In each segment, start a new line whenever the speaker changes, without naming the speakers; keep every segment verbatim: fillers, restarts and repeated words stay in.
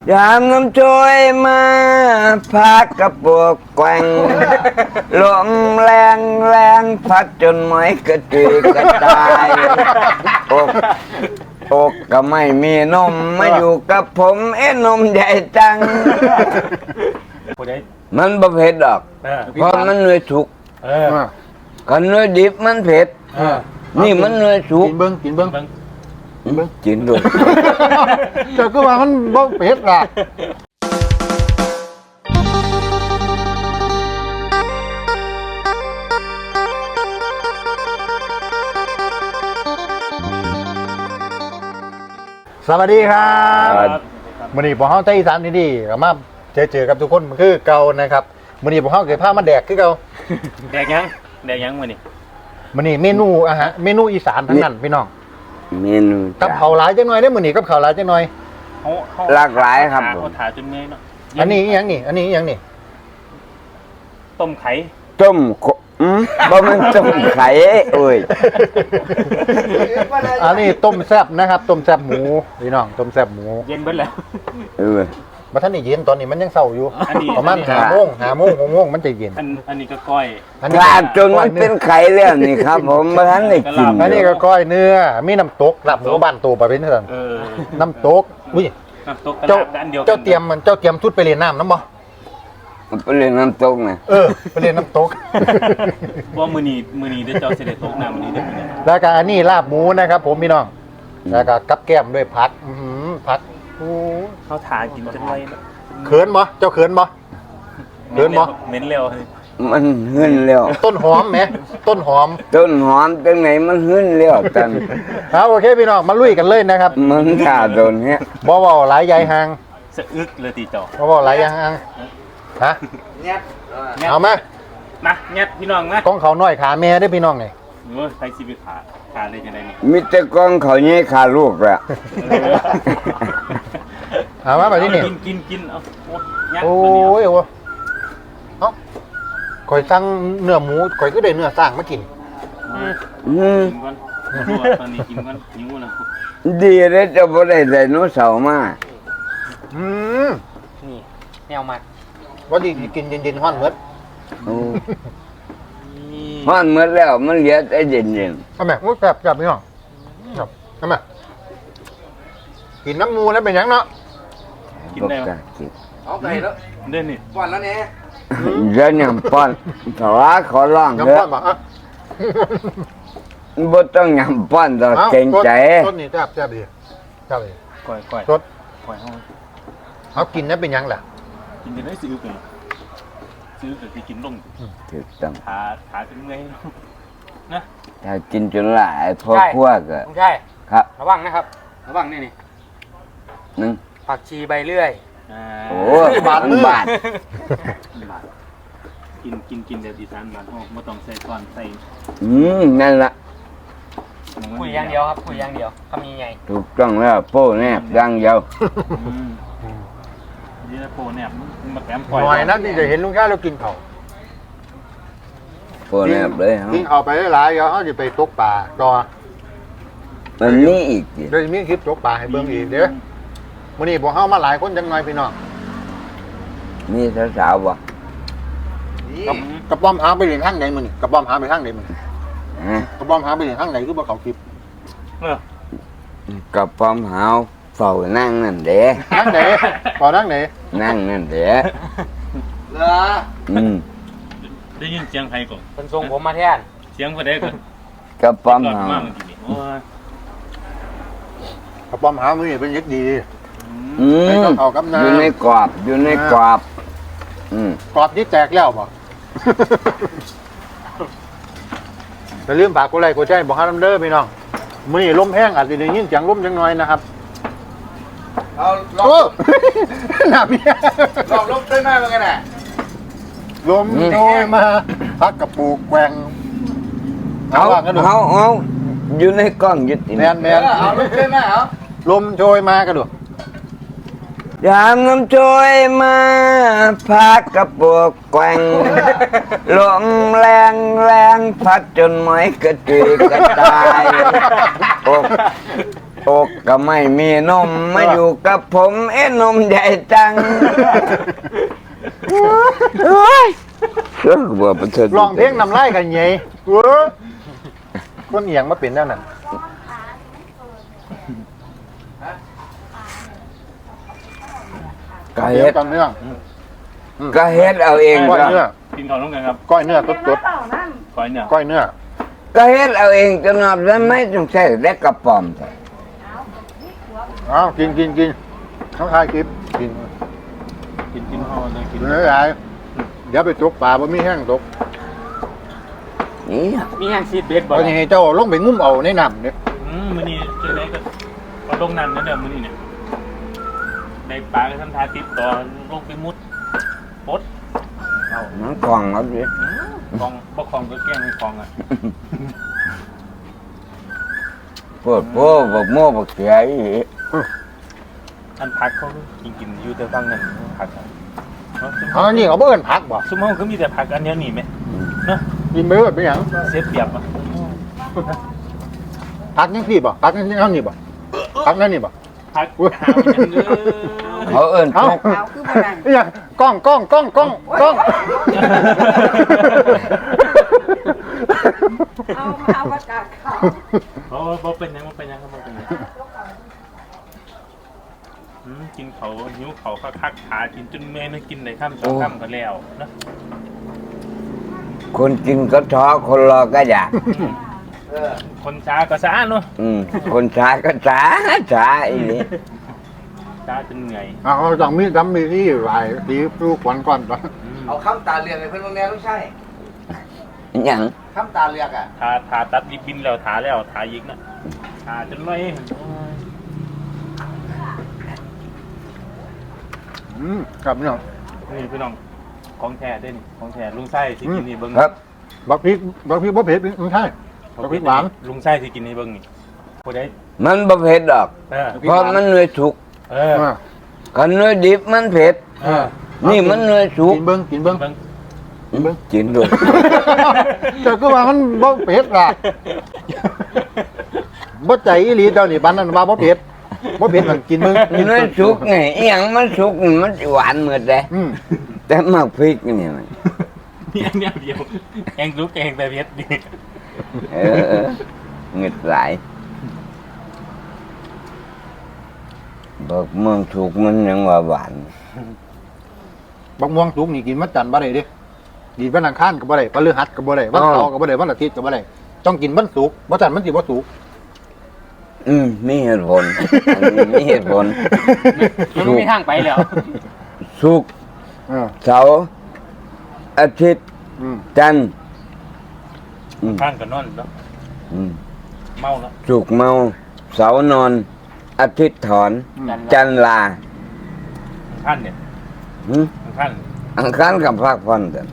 ยามน้ำช่วยมาพักกระปวกแกว่งลมแรงแรงพัดจนไม้กระจุยกระจายอกอกก็ไม่มีนมมาอยู่กับผมเอ้นมใหญ่จัง มันบ่เผ็ดดอกเพราะมันเนื้อสุกกันเนื้อดิบมันเผ็ดนี่มันเนื้อสุก
กินเบิ้งกินเบิ้ง
กินด้วย
เจ้าก็ว่ามันบ่เผ็ดล่ะสวัสดีครับมื้อนี้พวกเฮาไต้อีสานดีๆก็มาเจอเจอกับทุกคนคือเก่านะครับมื้อนี้พวกเฮาเกิดพามาแดกคือเก่า
แดกยังแดกยังมื้อนี้
มื้อนี้เมนูอาหารเมนูอีสานทั้งนั้นพี่น้อง
เมนู
กับข้าวหลายจังหน่อยเด้อมื้อนี้กับข้าวหลายจังหน่อย
เฮาเฮา
หลากหลายครับ
เฮาถาจนเมื่อยเนาะ
อันนี้อีหยังนี่อันนี้อีหยังนี่
ต้มไข่
ต้มขอืมบ่มันต้มไข่โอ้ย
อันนี้ต้มแซ่บนะครับต้มแซ่บหมูพี่น้องต้มแซ่บหมู
เย็นเบิดแล้ว
เออ
มาท่านนี่เย็นตอนนี้มันยังเศร้าอยู่
อันนี้
ประมาณ
อันนี้
หาโมงหาโมงหกโมงมันจะเย็น
อันอันนี้ก็ก้อย
อันนี้
กลาดจนมันเป็นไข่แล้วนี่ครับ ผมบ่ทันได้กิน
อันนี้ก็ก้อยเนื้อมีน้ำตกลาบหมูบ้านตัวประเภทนี้สั่น
เออ
น้ำตกอุ้ย
น้ำตกกระ
เจ้า
ลาบอันเดียวกัน
เจ้าเตรียมมันเจ้าเตรียมชุดไปเรียนน้ำน้ำบ่
มันเป็นเรื่องน้ำตกนะ
เออไปเรียนน้ำตก
ว่ามื้อนี้มื้อนี้ได้เจ้าสิได้ตกน้ำมื้อนี้ได้มื้อนี้
แล้วก็อันนี้ลาบหมูนะครับ ผมพี่น้องแล้วก็กับแก้มด้วยผักอื้อหือผักโอ้
เฮาถากินจนไวเนาะ
เขินบ่เจ้าเขินบ่ เดินบ่
เหม็นเร็ว
มันหึ้นแล้ว
ต้นหอมไหมต้นหอม
ต้นหอมจังไหนมันหึ้นแล้วตัน
เอาโอเคพี่น้องมาลุยกันเลยนะครับ
มันถ้าโดนเนี้ย
บ่เว้าหลายใหญ่ห่าง
สะอึกเลยติเจ้า
บ่เว้าหลายใหญ่ห่างฮะเอามา
มายัดพี่น้องมาก
องเขาน้อยขาแม่ได้อพี่น้องนี่
โอ้ยไปสิไปขาขาเลยจังได๋นี่
มีแต่กองเขาใหญ่ขาลูกละ
เอามาแบบนี้นี่
กินกินกินเอาโอ้ยัด
โอ้
ตัวเดียวย
โอ้เอ้าข่อยสั่งเนื้อหมูข่อยก็ได้เนื้อสร้างมากิน
อืม
อืม
กินก่อนตอนนี้กินก่อนหิวแล้ว
ดีเลยจะบ่ได้ไดโนเสาร์มา
อืม
นี่แนวมัด
ว่าดีกินเย็นๆฮ้อนเมด
โอ้ฮ้อนหมดแล้วมันเหลือแต่เย็น
ทำไมโอ้ยแซ่บแซ่บพี่น้องครับทำไมกินน้ำมูแล้วเป็นหยังเนาะ
ๆ
กิน
บ่
ได้ไหม
กล้ากิน
เอาไปแล้ว
เด่นนี่
ก่อนแล้วเนี่ย
เดี๋ยวยังป้อนถวาขอร้อง
น้ำ
เด้
ป้
อ
อนบอกอ่ะ
บ่ต้องยำป้อนดอก
อา
เกรงใจ
ต้นนี่แซ่บแซ่บดีแซ่บดี
ก่อยก่อย
สด
ก่อยห้อง
เอากินแล้วเป็นหยังล่ะ
กินจะได้ซื้อกันซื้อแต่ที่กินลง
ถูกต้อง
ขาขาจนเมื่อยนะ
ถ้ากินจนหลายพ่อครัวก็
ไม่ใช่
ครับ
ระวังนะครับ ระวังนี่นี่
หนึง
ผักชีใบเลื่อย
อ่า
โอ้บาทบาท
บาทกินกินกินเดี๋ยวอีสานบาทห้องไม่ต้องใส่ก่อนใส่
อืมนั่นล่ะ
คุยอย่างเดียวครับคุยอย่างเดียวคำนี้ไง
ถูกต้องแล้วโป้แนบดังเดียว
อืมนี่นะโปรเนี่ยมันมาแถม
หน่อยนะที่จะเห็นลุงข้าเรากินเขา
โป้แนบเลยเฮา
กินเขาไปหลายๆเดี๋ยวเขาจะไปตกปลาต่อ
มันมีอีกสิ
เดี๋ยวจะมีคลิปตกปลาให้เบิ่งอีกเด้อมื้อนี้พวกเฮามาหลายคนจังหน่อยพี่น้อง
มีสาวๆบ่
กับกระป้อมหาไปเรียนทางไหนมื้อนี้กระป้อมหาไปทางไหนมื้อนี้
ฮะ
กระป้อมหาไปเรียนทางไหนคือบ่เขาคลิป
เออ
กับป้อมหาวเฝ้านั่งนั่นเด้
ทางไหนต่อทางไหน
นั่งนั่นเด้
เหรอ
อืม
ได้ยินเสียงใครก่อน
เป็นทรงผมมาแทน
เสียงคนใดก่อน
กับป้อม
ก่อน
หาว
มากเมื่อกี้นี่โอ้ย
กระป้อมหามื้อนี้เป็นเล็กดี
อืม
ให้เขากับน้ำ
อยู่ในกรอบอยู่ในกรอบ อืม
กรอบนี่แตกแล้วบ่ อย่าลืมฝากกดไลค์กดแชร์บอกให้น้ำเด้อพี่น้องมื้อนี้ลมแห้งอาจจะได้ยินเสียงลมจังหน่อยนะครับ
เอาลอง
โอ้ หนาเมีย
ลองลบได้ไหมเป็นไงน่ะ
ลมโชยมาพักกระปูกแกว่ง
เอา
ว่ากันดู
เอาเอาอยู่ในกล้องอยู่ติ
แมนแม
เอน อเอาลบได้ไหมเอา
ลมโชยมากันดู
ยามน้ำช่วยมาพักกระปวกแกว่งลมแรงแรงพัดจนไม้กระจุยกระจายอกอกก็ไม่มีนมมาอยู่กับผมเอ้นมใหญ่จังเฮ้ยเรื่องบัวประเสริฐ
ลองเพลงนำไล่กันไงเว้อคนเอียงมาเป็นแนวนั้น
ก็
เดี๋ย
เฮ็
ว
ด
ตอนเนื้อ
ก็เฮ็ดเอาเอง
ก้อย
ก็
เนื้อ
กินข้าวร่วมกันครับ
ก้อยเนื้อสด
ก้อยเนี่ย
ๆก้อยเนื้อ
ก็เฮ็ดเอาเองจนนับแล้วไม่ต้องใช้เล็กกระป๋อมแต่
อ้าวกินกินกินเขาทายคลิปกิน
กินกินห่อเลยกิน
เนื้อใหญ่เดี๋ยวไปตกปลาบ่มีแห้งตก
นี่
มีแห้งซีดเบสบ่
เอาอย่างให้เจ้าลงไปงุ้มเอาในน้ำเนี่ย
อืมมื้อนี้เจอได้ก็ก็ลงน้ำนั่นเด้อมื้อนี้เนี่ยได้ปลาก็ทำทาติดต่อลงไปมุดปดเอา
น้องกล่องเอาดิ
คลองบ่คลองก็แกล้งให้คลองอ่ะ
ปวดโป้บอกโม่บอกเสียอีก
อันพักเขากินกินอยู่แต่ฟังนั่นผักอะเนาะ
อ๋อนี่เขาเบิ่นผักบ่
ซุมเฮาคือมีแต่ผักอันเดียวนี่ไหมเนาะ
กินไปเบิดเป็นหยัง
เสียเปรียบอ่ะ
ผักยังพี่บ่ผักยังเท่านี่บ่ผักนั่นนี่บ่
ผัก
อุ๊ย
หาอย่างเด้อ
เขาเอิ้น
เอ้า
ทุก
เอาคือบ่นั่น
เนี่ยกล้องกล้องกล้องกล้องกล้อง
เอาเอาประกาศข่าว
บ่บ่เป็นหยังบ่เป็นหยังครับบ่เป็นหยังอืมกินเขาหิวเขาคักๆขากินจนแม่ไม่กินได้ค่ำสองค่ำก็แล้วนะ
คนกินก็ท้อคนรอก็อยาก
คนช้าก็ช้าเนาะ
อืมคนช้าก็ช้าช้าอีนี่
ช้าจนเหนื่อย
เอาเอาจังมีดำมีนี่ไหวตีปลูกขวัญก่อนปะ
เอาคำตาเรียงให้เพื่อนบางแนวไม่ใช่
หยัง
คำตาเรียงอ่ะ
ทาทาตัดริบบินแล้วทาแล้วทาอีกนะทาจนร้อย
อืมครับพี่น้อง
นี่พี่น้องของแท้เด้นี่ของแท้ลุงไส้สิกินนี่เบิ่ง
ครับ
บักพริกบักพริกบ่เผ็ดไม่ใช่บักพริกหวาน
ลุงไส้สิกินนี่เบิ่งนี่ผู้ใด
มันบ่เผ็ดดอก
เออ
เพราะมันเนื้อสุก
เออ
อ่า
คันเนื้อดิบมันเผ็ด
เออ
นี่มันเนื้อสุก
กินเบิ้งกินเบิ้ง
เบิ่ง
อืมกินด้วย
เจ้าก็ว่ามันบ่เผ็ดล่ะบ่ใจอีหลีเจ้านี่บ้านนั้นว่าบ่เผ็ดบ่เผ็ดมันกินเบิ้ง
เนื้อสุกไงอหยังมันสุกนี่มันสิหวานเหมือนเลย
อืม
แต่หมักพริกนี่มัน
นี่อันเดียวเดียวแองลุกแองแต่เผ็ดนี่
เออเออเงึดหลายบอกเมืองสุกมันยังว่าหวาน
บักม่วงสุกนี่กินมันจันทร์บ่ได้เด้กินวันอังคารก็บ่ได้พฤหัสก็บ่ได้วันเสาร์ก็บ่ได้วันอาทิตย์ก็บ่ได้ต้องกินวันศุกร์บ่จันทร์มันสิบ่สุก
อืมมีเหตุผลอันนี้มีเหตุผล
มันไม่มีทางไปแล้ว
สุกร์
เออ
เสาร์อาทิตย์
อืม
จันทร์อืม
ข้างกับนอนเนาะ
อืม
เมาแล้ว
สุกร์เมาเสาร์นอน อาทิตย์ถอน
อืม
จันทร์ลา
ข้างเนี่ย
หึ
ข้าง
อังคารกับภาคพันธ์กัน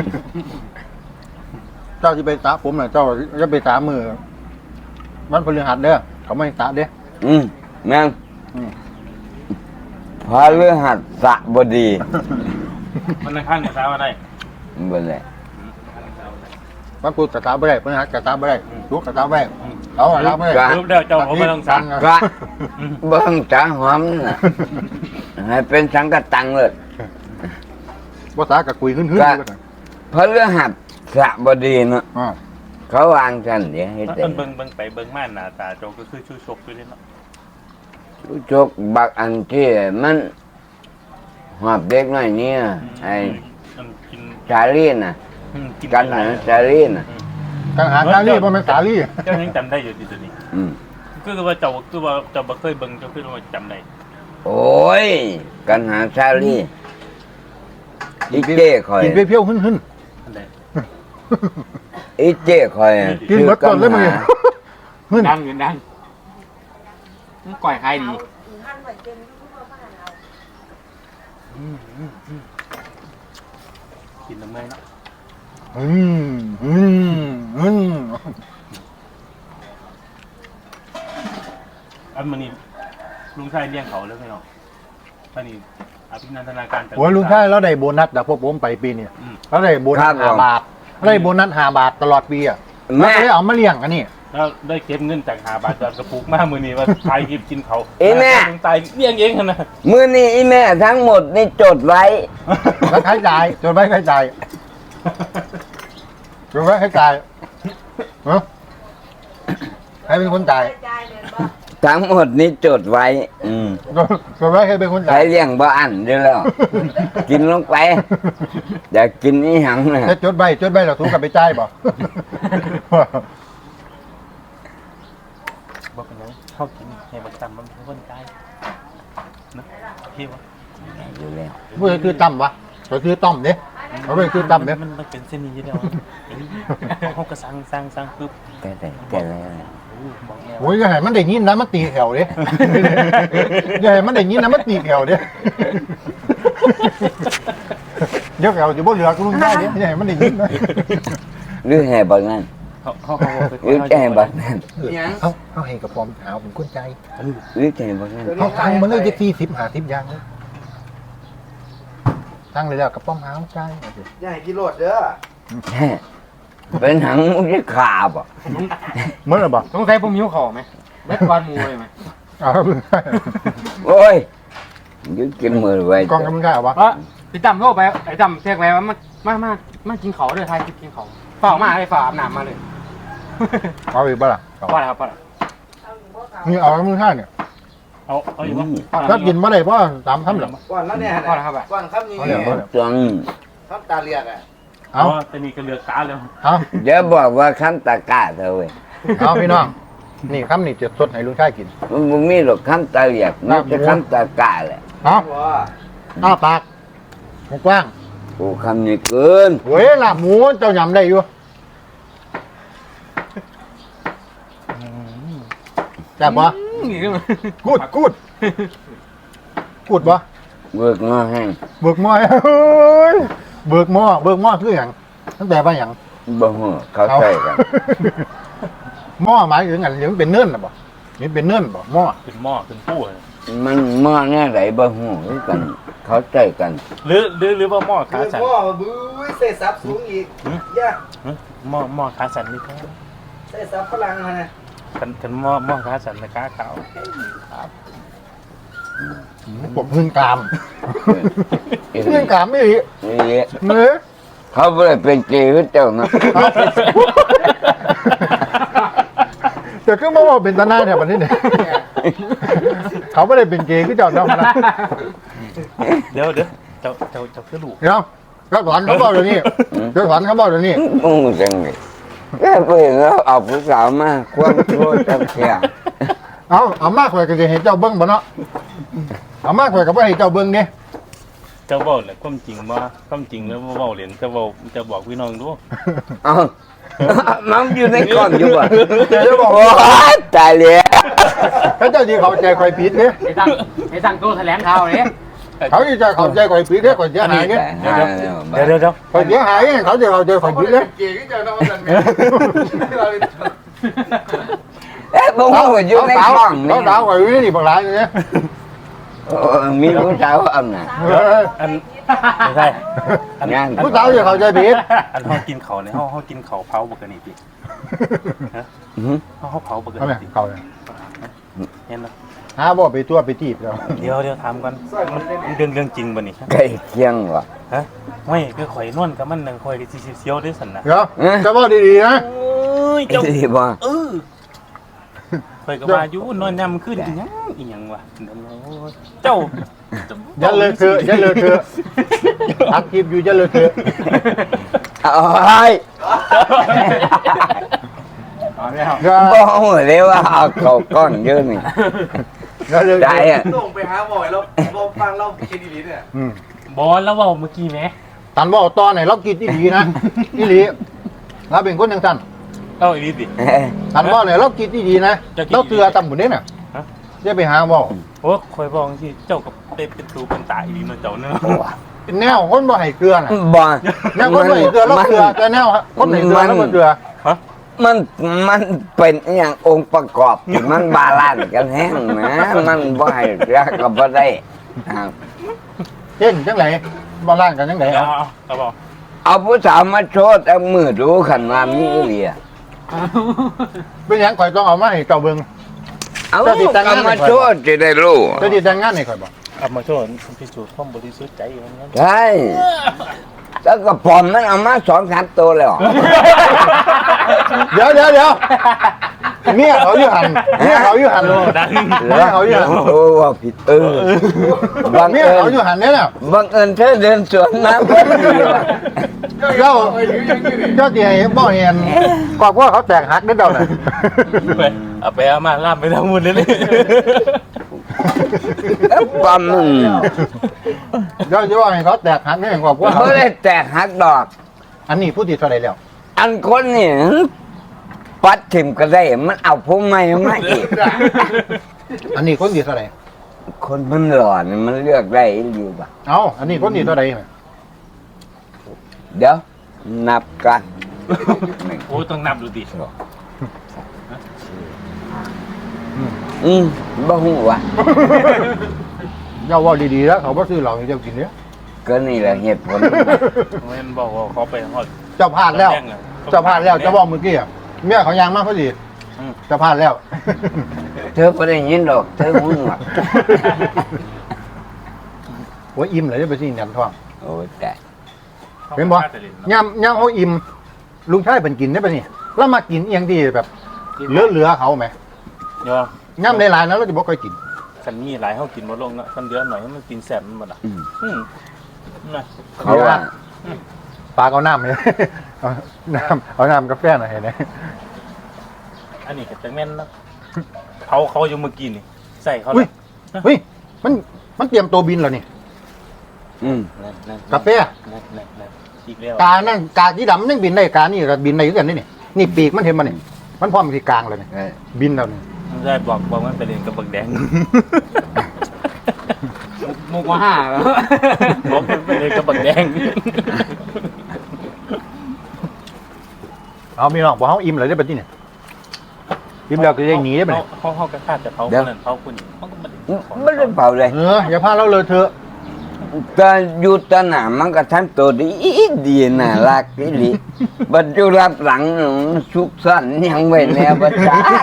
เจ้าสิไปสระผมน่ะเจ้าจะไปสระมือวันพฤหัสเด้อเขาไม่ให้สระเด้อ
อืมแม่ง
อืม
พาเรือหัดสะบดี
มันข้างเนี่ยสาวอะไร
บ่แหละ
วันพุธกระตาบ่ได้พฤหัสกระตาบ่ได้ศุกร์กระตาบ่ได้เอากระตาบ่ได้
รูปเดียวเจ้าเขาไม่ต้องสั่ง
กะเบิ่งจ๋าหอมน่ะให้เป็นสังกะตังเลย
ภาษากับคุยหึ่นๆ
ก็
อยู่กัน
พาเรือหัดสะบดีเนาะ
อ่า
เขาวางกันเดี๋ยวให้
แล้ว
เต็ม
เบิ่งเบิ่งไปเบิ่งมาหน้าตาเจ้าก็คือชูชกอยู่นี่เนาะ
รู้จกบักอันที่มันหอบเด็กน้อยเนี่ยไอ้
มันกิน
ชาลีน่ะ
อืมกิน
กัน
หลา
นะ
ย
ชาลีน่ะ
กังหาสาลี่บ่แม่นสาลี่
เจ้ายังจำได้อยู่ที่ตัวนี้
อืม
คือว่าเจ้าคือว่าเจ้าบ่เคยเบิ่งเจ้าคือว่าจำได้
โอ้ย กันหาชาลีอีเจ้คอย
กินเปรี้ยวๆหึ่น
อันใด
อีเจ้คอย
ๆกินหมดก่อนเลยมึง
ชื่อ
หึ่น
ดังอยู่ดังมันก่อยใครดี
อีหันไว้เต็มทุกบ้านเอา
กินน้ำมันเนาะ
อืมอืมอืม
อันมันนี่ลุงชายเลี้ยงเขาแล้วไงเนาะอันนี้อภินันทนาการ
โอ้ยลุงชายเราได้โบนัสจากพวกผมไปปีนี้
อืม
เราได้โบนัสห้าบาทเราได้โบนัสห้าบาทตลอดปีอ่ะเรา
แม่
ก็เลยเอามาเลี้ยงอันนี้
แล้วได้เก็บเงินจากหาบาทจากกระปุกมามือนี้ว่าทายกิบกินเขา
เอ้แม่
ตายเลี้ยงเองนะ
มือนี้อีแม่ทั้งหมดนี่จดไว้
แล้วใครจ่ายจนไว้ใครจ่ายจนไว้ใครจ่ายเนาะใครเป็นคนจ่าย
ใจเนี่ยบ่
ทั้งหมดนี่จดไว้ อืม
จนไว้ใครเป็นคน
ใคร
จ่าย
เลี้ยงบ่อันเด้อแล้ว กินลงไป อยากกินนี่หังนะ
จะจดใบจดใบเราถูกกับไปจ่ายบ่
บอกกันเลยเข้ากินให้บักตำมันเป็นคนตายนะพี่วะ
อยู่แล้ว
เมื่อคือตั้มวะก็คือต้อมเนี่ยเขาเป็นคือตั้มเนี่ย
มันมันเป็นเส้นนี้อยู่แล้วเขาก็สั่งสั่งสั่งปุ๊บ
แต่แต่แต่แล้ว
บอกแม่
โอ้ยอย่าให้มันได้ยินนะมันตีแถวเด้ อย่าให้มันได้ยินนะมันตีแถวเด้เดี๋ยวแถวจะบ่เหลือกูลุงได้เด้อย่าให้มันได้ยินนะ
หรือแห่บักนั่น
เขาเขาเขาไป
หรือแห่บักนั่น
เขาเขาให้กับพร้อมหาผมกุ้นใจ
หรือแห่บักนั่น
เขาตังมันเลยจะสี่สิบหาสิบอย่างเลยตั้งเลยแล้วกับป้อมหาใจ
อย่าให้กินโลดเด้อ
แห่เป็นหังมุกขาบอ่ะ
เมื่อไหร่บ่
สงสัยผมหิวข้าวไหมเล็ดวันมูเลยไหม
เอา
โอ้ยยึดกินมือไว้
กองกำลังกายเอาวะ
เพราะพี่จำโทรไปไอ้จำเรียกไปว่ามามามามากินเขาเลยทายกินเขาฝ่ามาเลยฝ่าอาบน้ำมาเลย
เอาอีกบ่ล่ะเอา
ว่าแล้วว่าแล้ว
นี่เอามือห้าเนี่ย
เอาเอาอยู่วะ
ถ้ากินมาได้เพราะตามคำหรอ
ก่อนแล้วเนี่ย
ว่าแล้วครับ
ก่อนคำนี้
เอาอย่างบ่เนี่ย
จัง
คำตาเรียกอ่ะ
เอา
แต่นี่ก็เลือกตาแล้ว
เอา
เดี๋ยวบอกว่าคำตะกร้าเธอเว้ย
เอาพี่น้องนี่คำนี่จะสดให้ลุงชายกิน
มันบ่มีหรอกคำตะเหลียกมันจะคำตะกร้าแหละ
เอา
ว่า
อ้าปากกว้าง
โอ้คำนี้เกิน
เฮ้ยลาบหมูเจ้ายำได้อยู่แซ่บปะกูดกูดกูดปะ
เบิกงอแห้ง
เบิกหม้อเฮ้ยเบิกหม้อเบิกหม้อคืออย่างตั้งแต่ว่าอย่าง
บ่ฮู้เขาใส่กัน
หม้อหมายถึงอะไรมันเป็นเนื่นหรอบ่นี่เป็นเนื่นบ่หม้อ
เป็นหม้อเป็นผู้เลย
มันหม้อแน่ไหนบ่ฮู้คือกัน เขาใส่กัน
หรือหรือหรือว่าหม้อขา
คือ
สัน
พ่อบื้อเสยซับสูงอีกย่า
หม้อหม้อขาสันนี่ครับ
เสยซับพลังมานะ
กันกันหม้อหม้อขาสันนะขาขาว
ปวดพื้นกราม
เอ้ย
พื้นกรามไม่ดี
นี่
เนื้อ
เขาบ่ได้เป็นเกย์คือเจ้านะ
แต่ก็มาว่าเป็นตาหน้าแถวนี้เนี่ยเขาไม่ได้เป็นเกย์คือเจ้าเนาะนะ
เดี๋ยวเดี๋ยวเจ้าเจ้าเจ้าคือลูก
เดี๋ยวก็สอนเขาบอกเดี๋ยวนี้เดี๋ยวสอนเขาบอกเดี๋ยวนี้
งงจังเลยแค่ไปแล้วเอาผู้สาวมาความชั่วจังแค่
เอาเอามากกว่าก็จะเห็นเจ้าเบิ้งบ่เนาะเอามากกว่าก็บ่ให้เจ้าเบิ้งเนี่ย
เจ้าเว้าแหละความจริงว่าความจริงแล้วว่าเว้าเล่นเจ้าเว้าจะบอกพี่น้องดู
เอามันอยู่ในกล่องอยู่บ่
เดี๋ยวจะบอก
โอ้ยตายแล้ว
ถ้าเจ้าที่เขาใจคอยผิดเนี่ย
ไอ้ตั้งไอ้ตั้งโตแถลงข่าวเลย
เขาจะเขาใจคอยผิดเนี่ยคอยเสียหายเนี่ย
เดี๋ยวเดี๋ยวเดี๋ยว
คอยเสียหายเนี่ยเขาจะเขาใจคอยผิดเนี่ย
เก่งที่จะนอนกัน
เอ๊ะผมก็อยู่ในกล่อง
เขา
นี่
สาวคอยวิ่งนี่บางรายเนี่ย
เออมีผู้สาวเอาน่ะ
อันไม่ใช่อัน
งาน
ผู้สาวจะเขาใจผิด
อันเฮากินเขาเนี่ยเฮาเฮากินเขาเผาปกติพี่
อื้อหือ
เฮาเฮาเผาปก
เอาไหม
ติ
เขาเลย
เห็นบ่
หาบ่ไปตัวไปจีบแล้ว
เดี๋ยวเดี๋ยวถามก่อนมันเรื่องเรื่องจริงบ่นี่
ใกล้เคียงว่ะ
ฮะไม่คือข่อยนวลกับมันนั่งข่อยก็สิเสียวด้วยสั่นน่ะ
เดี๋ยวจะบอกดีๆนะ
โอ้ย
ไอ้
เจ้า
ที่บ่
เออข่อยก็ว่าอยู่นอนยามขึ้นอีหยังอีหยังวะเจ้า
อย่าเลยเถอะอย่าเลยเถอะอักคลิปอยู่อย่าเลยเถอะ
เอาไอ้
เอาแล้ว
อย่า
บ่ฮู้เลยว่าเอาเข้าก้อนเยอะนี่
อย่าเลย
ได้อะ
ส่งไปหาบ่อยแล้วบ่ฟังเราคิดดีๆเนี่ย
อืม
บอลแล้วเว่าเมื่อกี้ไหม
ตันบอกตอนไหนเรากินอีหลีนะอีหลีเราเป็นคนยังสั้น
เอ้าอีนี่สิ
เอ้ย
ตันบอกเนี่ยเรากินอีหลีนะ
จะกิน
เราเตือตำหมุนเนี่ยน่ะ
ฮะ
จะไปหาบอก
โอ้ข่อยบอกที่เจ้ากับเป็นเป็นตูเป็นตาอีนี่เนาะเจ้าเนาะ
เป็นแนวคนบ่ให้เกลือน่ะ
บ่
แนวคนบ่ให้เกลือเราเกลือแต่แนวคนให้เกลือแล้วบ่เกลือ
มันมันเป็นอหย่างองค์ประกอบที่มันบาลานซ์กันแห้งนะมันบ่ให้รักกับบ่ได้ครับ
เช่นจังไหนบ่ล่างกันจังไหน
เอา
เอา
เอาเอาบอก
เอาผู้สาวมาโชว์แต่มือดูขันว่ามีอีหลีอะ
เเป็นหยังข่อยต้องเอามาให้เจ้าเบิ่ง
เอา
เจ้าติดตั้ง
กรร
งาน
ม
ให้ข่อย
โชดจะได้รู้
เจ้าดีแต่งงานให้ข่อยบ่
เอามาโชว์พิสูจน์ความบริสุทธิ์ใจอย่างนั้น
ใช่แล้วก็ปอมมันเอามาสองสามตัวเลยเหรอ
เดี๋ยวเดี๋ยวเดี๋ยวเมียเขาอยู่หันเมียเขาอยู่หัน
ดัง
เมียเขาอยู่หัน
โอ้ว่าผิดเออบัง
เมีย
เอิ
เขา
ญ
อยู่หันเนี่ยน่ะ
บังเอิญเธอเดินสวนมาพอดีว่ะ
เจ้าเจ้าที่ให้บ่เห็นกว่าว่าเขาแตกหักได้เดาน่ะ
ไปเอาไปเอามาล่ามไปทั้งหมดเลยเลย
เอ้าปอมมึง
เจ้าจะว่าให้เขาแตกหักได้กว่าว่าเขา
ไม่ได้แตกหักดอก
อันนี้ผู้ที่เท่าไหร่แล้ว
อันคนนี่ปัดถิ่มก็ได้มันเอาผมไม่มาอีก
อันนี้คนที่เท่าไหร่
คนมันหล่อนี่มันเลือกได้อยู่ปะ
เอ้าอันนี้คนที่เท่าไหร่
เดี๋ยว นับกัน
โอ้ต้องนับดูดิ
อืมบ่หูวะ
เจ้าว่าดีๆแล้วเขาบ่ซื้อเหล้าให้เจ้ากินเนี่ย
ก็นี่แหละเหตุผล
แม่นบอกว่าเขาไปหอด
เจ้าพลาดแล้วเจ้าพลาดแล้วเจ้าบอกเมื่อกี้อะเมียเขายางมากพอดีเจ้าพลาดแล้ว
เธอไม่ได้ยินหรอก เธอหูหรอก
โอ้ยอิ่มเลยจะไปสิแหนมทอง
โอ้ยแต่
เห็นบ่ย่ำย่ำเขาอิ่มลุงชายเป็นกินได้ปะนี่แล้วมากินเอียงที่แบบเหลือๆเขาไหม
ยอ
ย่ำในร้านนั้นเราจะบอกเคยกิน
คันมีหลายเขากินหมดลงนะคันเดือหน่อยให้มันกินแสบมันหมดอ่ะ
อืม
อืมนะ
เขาว่า
ปลาเอาน้ำเลยเอาน้ำเอาน้ำกาแฟหน่อยเห็นไหม
อันนี้ก็จะแม่นนะเขาเขาอยู่เมื่อกี้นี่ใส่เขา
อุ้ยเฮ้ยมันมันเตรียมตัวบินแล้วนี่
อืม
นั่นนั่น
กาแฟ
นั่นนั่นนั่นอีกแล้ว
กานั่นกาที่ดำยังบินได้กานี่ก็บินได้เหมือนกันนี่นี่นี่ปีกมันเห็นมันนี่มันพร้อมที่กลางเลยนี่
เออ
บินแล้วนี่
ใช่บอกบอกมันไปเรียนกับบักแดง
มุกมาห้าแล้ว
บอกมันไปเรียนกับบักแดง
เอามีน้องบอกเขาอิ่มเลยได้ปะที่นี่อิ่มแล้วก็ยังหนีได้ปะนี่
เขาเขากระคาดจะเผาคนนั้นเผาคนนี้เขาก็ไม่ได้
ไม่ได้เผาเลย
เอออย่าพาเราเลยเถอะ
ตอนอยู่ตอนหนามันก็ทำตัวดีดีน่ารักอีหลีบัดอยู่รับหลังมันสุกสันยังไว้แนวประจัก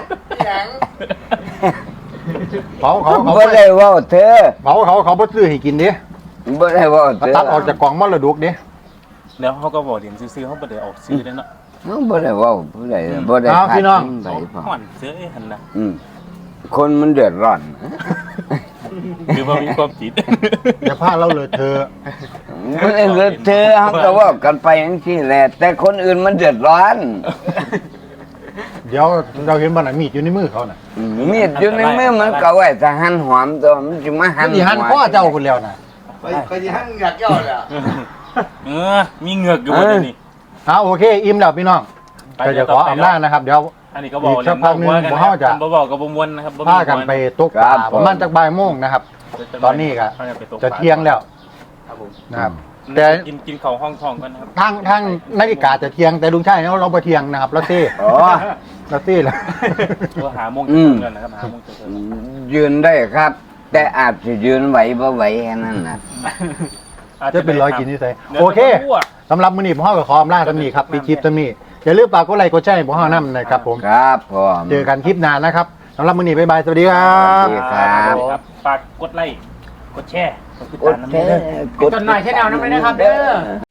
เขาเขาเขา
บ่ได้เว่าเธอ
เขาเขาเขาบ่ซื้อให้กินดิ
บ่ได้เว่าเธ
เขา
อ
ตัดออกจากกล่องมรดกดิ
แล้วเขาก็บอกเรียนซื้อๆเขาไม่ได้ออกซื้อเลยเนาะ
บ่ได้เว่าบ่ได้บ่ได้
เอาพี่น้อง
ไปพอ
ห่อนซื้อไอ้หันนะ
อืมคนมันเดือดร้อน
หรือว่ามีความผิด
อย่าพาเราเลยเถอะ
บ่ได้เลือดเธอเขาก็เว่ากันไปอย่างที่แหละแต่คนอื่นมันเดือดร้อน
เดี๋ยวเราเห็นบ้านไหนมีดอยู่ในมือเขาน่ะ
อืมมีดอยู่ในมือมันก็ไว้ถ้าหั่นหอมตัวมันสิมาหั่น
ที่หันพ่อเจ้าคนแล้วน่ะ
ไปไปที่ห้างอยากย่อเลยอ่ะ
เออมีเหงือกอยู่บนนี้
เอาโอเคอิ่มแล้วพี่น้องก็จะขออำนาจนะครับ เดี๋ยว
อันนี้ก็บอก
อีกสักพักหนึ่ง
กัน
บ่เขาจะ
บ่บอกกับบ่มวนนะครับบ่มี
พากันไปตกปลาประมาณจักบ่ายโมงนะครับ ตอนนี้ก็
พากันไปตกปลา
จะเที่ยงแล้ว
ครับผม
นะครับ
แต่
แต่
กินกินข้าวห้องทองกันนะครับ
ทางทางนาฬิกาจะเที่ยงแต่ลุงชายเราเราไปเที่ยงนะครับเราเต้
อ๋อ
เราเต้แล้ว
ตัวหาโมง
อื
จะ
ม
ถึงกันนะครับหาโมงจะถึง
ยืนได้ครับ แต่อาจจะยืนไหวบ่ไหวแค่นั้นนะ
จะเป็นร้อยกินที่ใส่
ดี๋ยว
โอเค
จะรู้อะ
สำหรับมื้อนี้ผมเฮาก็ขออำลาตำนี้ครับปีคลิปตำนี้อย่าลืมฝากกดไลค์กดแชร์ให้ผมเฮานำนะครับผม
ครับผม
เจอกันคลิปหน้านะครับสำหรับมื้อนี้บ๊ายบายสวัสดีครับ
สวัสดีครับ
ครับฝากกดไลค์กดแชร์กดติด
ก
ตา
ด
มน้ำ
แช
เด้อ
ร์
กดหน่อยแค่แนวนั้นไปนะครับเด้อ